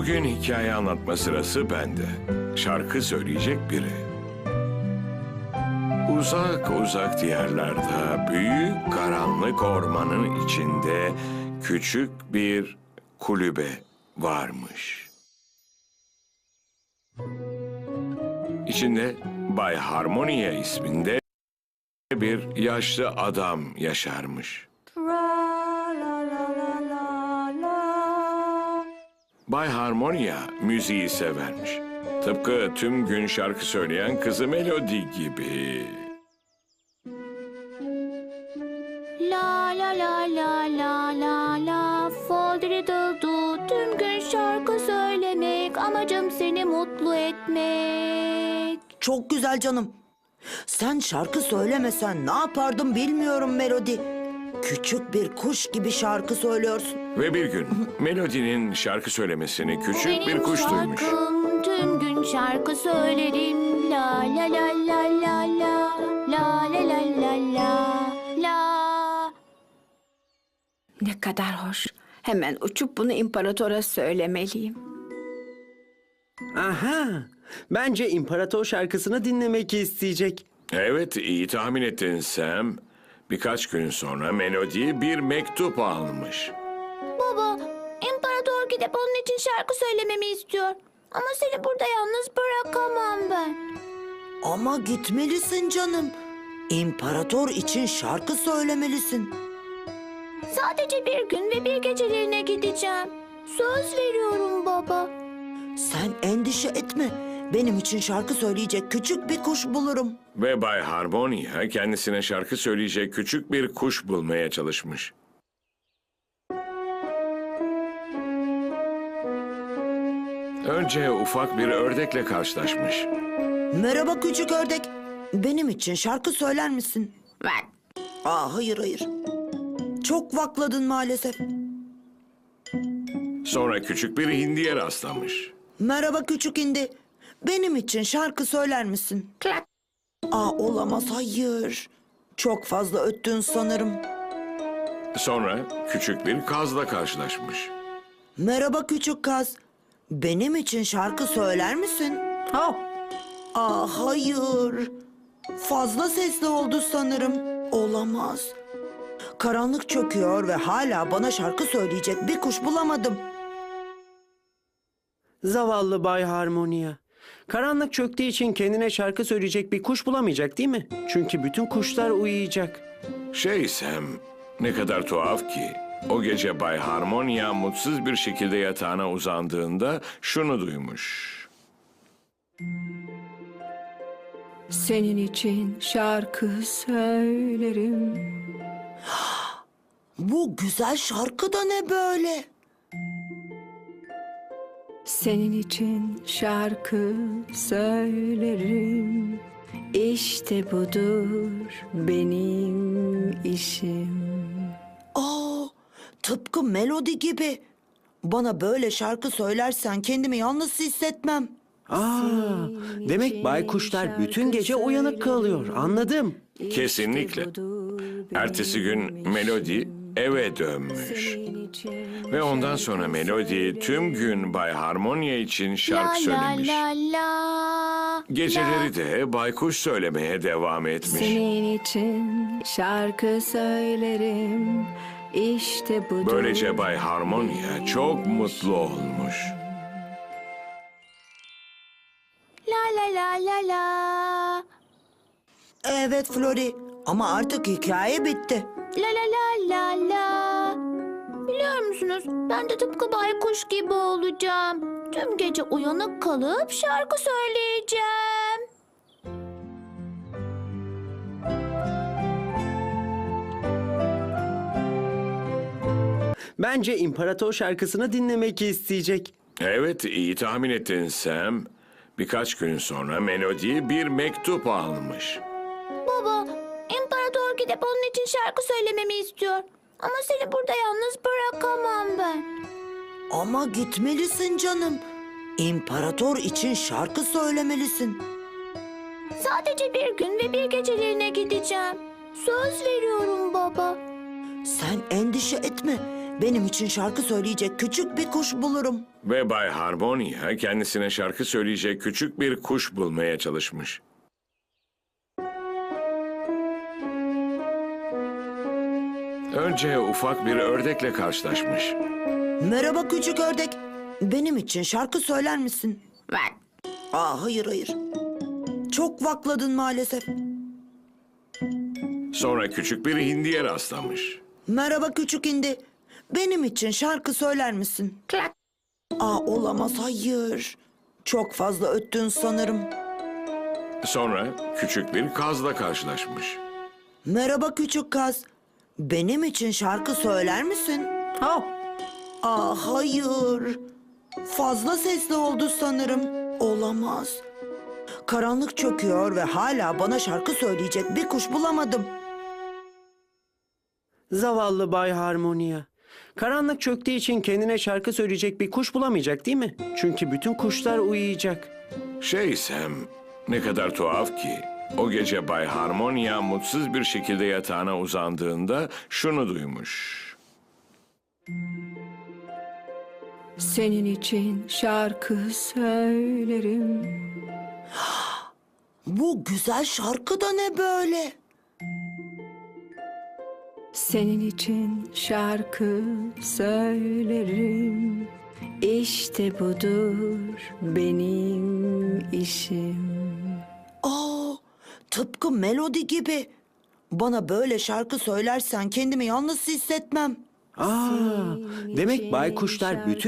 Bugün hikaye anlatma sırası bende. Şarkı söyleyecek biri. Uzak uzak diyarlarda, büyük karanlık ormanın içinde küçük bir kulübe varmış. İçinde Bay Harmonia isminde bir yaşlı adam yaşarmış. Bay Harmonia müziği severmiş. Tıpkı tüm gün şarkı söyleyen kızı Melody gibi. La la la la la la la Fodriddle'du tüm gün şarkı söylemek amacım seni mutlu etmek. Çok güzel canım. Sen şarkı söylemesen ne yapardım bilmiyorum Melody. Küçük bir kuş gibi şarkı söylüyorsun. Ve bir gün Melody'nin şarkı söylemesini küçük bir kuş duymuş. Şarkım tüm gün şarkı söylerim la la la la la la la la la la la la. Ne kadar hoş. Hemen uçup bunu imparatora söylemeliyim. Aha! Bence imparator şarkısını dinlemek isteyecek. Evet, iyi tahmin ettin Sam. Birkaç gün sonra Melody bir mektup almış. Baba, imparator gidip onun için şarkı söylememi istiyor. Ama seni burada yalnız bırakamam ben. Ama gitmelisin canım. İmparator için şarkı söylemelisin. Sadece bir gün ve bir geceliğine gideceğim. Söz veriyorum baba. Sen endişe etme. Benim için şarkı söyleyecek küçük bir kuş bulurum. Ve Bay Harmonia kendisine şarkı söyleyecek küçük bir kuş bulmaya çalışmış. Önce ufak bir ördekle karşılaşmış. Merhaba küçük ördek. Benim için şarkı söyler misin? Bak, Hayır hayır. Çok vakladın maalesef. Sonra küçük bir hindiye rastlamış. Merhaba küçük indi. Benim için şarkı söyler misin? klak. Olamaz hayır. Çok fazla öttün sanırım. Sonra küçük bir kazla karşılaşmış. Merhaba küçük kaz. Benim için şarkı söyler misin? Oh, Hayır. Fazla sesli oldu sanırım. Olamaz. Karanlık çöküyor ve hala bana şarkı söyleyecek bir kuş bulamadım. Zavallı Bay Harmonia. Karanlık çöktüğü için kendine şarkı söyleyecek bir kuş bulamayacak değil mi? Çünkü bütün kuşlar uyuyacak. Sam, ne kadar tuhaf ki. O gece Bay Harmonia mutsuz bir şekilde yatağına uzandığında şunu duymuş. senin için şarkı söylerim. Bu güzel şarkı da ne böyle? Senin için şarkı söylerim. İşte budur benim işim. Tıpkı Melody gibi. Bana böyle şarkı söylersen kendimi yalnız hissetmem. Demek baykuşlar bütün gece uyanık kalıyor. Anladım. Kesinlikle. Ertesi gün Melody eve dönmüş. Ve ondan sonra Melody tüm gün Bay Harmonia için şarkı söylemiş. La la. Geceleri de baykuş söylemeye devam etmiş. Senin için şarkı söylerim. İşte budur. Böylece Bay Harmonia çok mutlu olmuş. La la la la la. Evet Flori ama artık hikaye bitti. La la la la la. Biliyor musunuz? Ben de tıpkı baykuş gibi olacağım. Tüm gece uyanık kalıp şarkı söyleyeceğim. Bence imparator şarkısını dinlemek isteyecek. Evet, iyi tahmin ettin Sam. Birkaç gün sonra Melody bir mektup almış. Baba, imparator gidip onun için şarkı söylememi istiyor. Ama seni burada yalnız bırakamam ben. Ama gitmelisin canım. İmparator için şarkı söylemelisin. Sadece bir gün ve bir geceliğine gideceğim. Söz veriyorum baba. Sen endişe etme. benim için şarkı söyleyecek küçük bir kuş bulurum. Ve Bay Harmonia kendisine şarkı söyleyecek küçük bir kuş bulmaya çalışmış. Önce ufak bir ördekle karşılaşmış. Merhaba küçük ördek. Benim için şarkı söyler misin? Aa, hayır. Çok vakladın maalesef. Sonra küçük bir hindiye rastlamış. Merhaba küçük hindi. Benim için şarkı söyler misin? Aa, olamaz, hayır. Çok fazla öttün sanırım. Sonra küçük bir kazla karşılaşmış. Merhaba küçük kaz. Benim için şarkı söyler misin? Aa, hayır. Fazla sesli oldu sanırım. Olamaz. Karanlık çöküyor ve hala bana şarkı söyleyecek bir kuş bulamadım. Zavallı Bay Harmonia. Karanlık çöktüğü için kendine şarkı söyleyecek bir kuş bulamayacak değil mi? Çünkü bütün kuşlar uyuyacak. Sam, ne kadar tuhaf ki. O gece Bay Harmonia mutsuz bir şekilde yatağına uzandığında şunu duymuş. Senin için şarkı söylerim. Bu güzel şarkı da ne böyle? Senin için şarkı söylerim. İşte budur benim işim. Aa, tıpkı melodi gibi. Bana böyle şarkı söylersen kendimi yalnız hissetmem. Demek baykuşlar bütün